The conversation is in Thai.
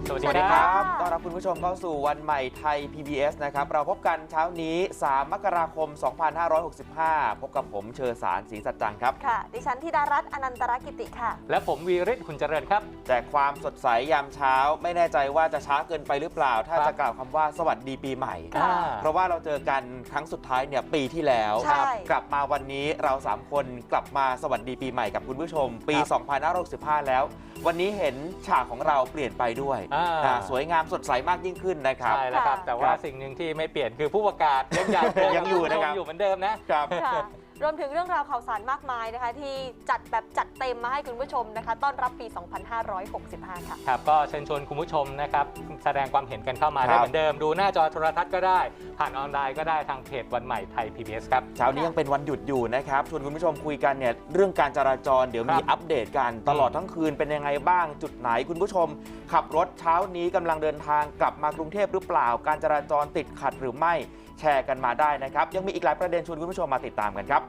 สวัสดีครับต้อนรับคุณผู้ชมเข้าสู่วันใหม่ไทย PBS นะครับเราพบกันเช้านี้3 มกราคม 2565 พบกับผมเชอสารศรีสัจจังครับค่ะดิฉันธิดารัตน์อนันตรกิติค่ะและผมวีริศหุ่นเจริญครับแจกความสดใสยามเช้าไม่แน่ใจว่าจะช้าเกินไปหรือเปล่าถ้าจะกล่าวคำว่าสวัสดีปีใหม่เพราะว่าเราเจอกันครั้งสุดท้ายเนี่ยปีที่แล้วกลับมาวันนี้เรา3คนกลับมาสวัสดีปีใหม่กับคุณผู้ชมปี 2565 แล้ววันนี้เห็นฉากของเราเปลี่ยนไปด้วยสวยงามสดใสมากยิ่งขึ้นนะครับใช่แล้วครับแต่ว่าสิ่งหนึ่งที่ไม่เปลี่ยนคือผู้ประกาศยังอยู่นะครับอยู่เหมือนเดิมนะครับรวมถึงเรื่องราวข่าวสารมากมายนะคะที่จัดเต็มมาให้คุณผู้ชมนะคะต้อนรับปี 2565 ค่ะครับก็เชิญชวนคุณผู้ชมนะครับแสดงความเห็นกันเข้ามาได้เหมือนเดิมดูหน้าจอโทรทัศน์ก็ได้ผ่านออนไลน์ก็ได้ทางเพจวันใหม่ไทย PBS ครับเช้านี้ยังเป็นวันหยุดอยู่นะครับชวนคุณผู้ชมคุยกันเนี่ยเรื่องการจราจรเดี๋ยวมีอัปเดตกันตลอดทั้งคืนเป็นยังไงบ้างจุดไหนคุณผู้ชมขับรถเช้านี้กำลังเดินทางกลับมากรุงเทพหรือเปล่าการจราจรติดขัดหรือไม่แชร์กันมาได้นะครับยังมีอีกหลายประเด็นชวนคุณผู้ชมมาติดตามกันครับ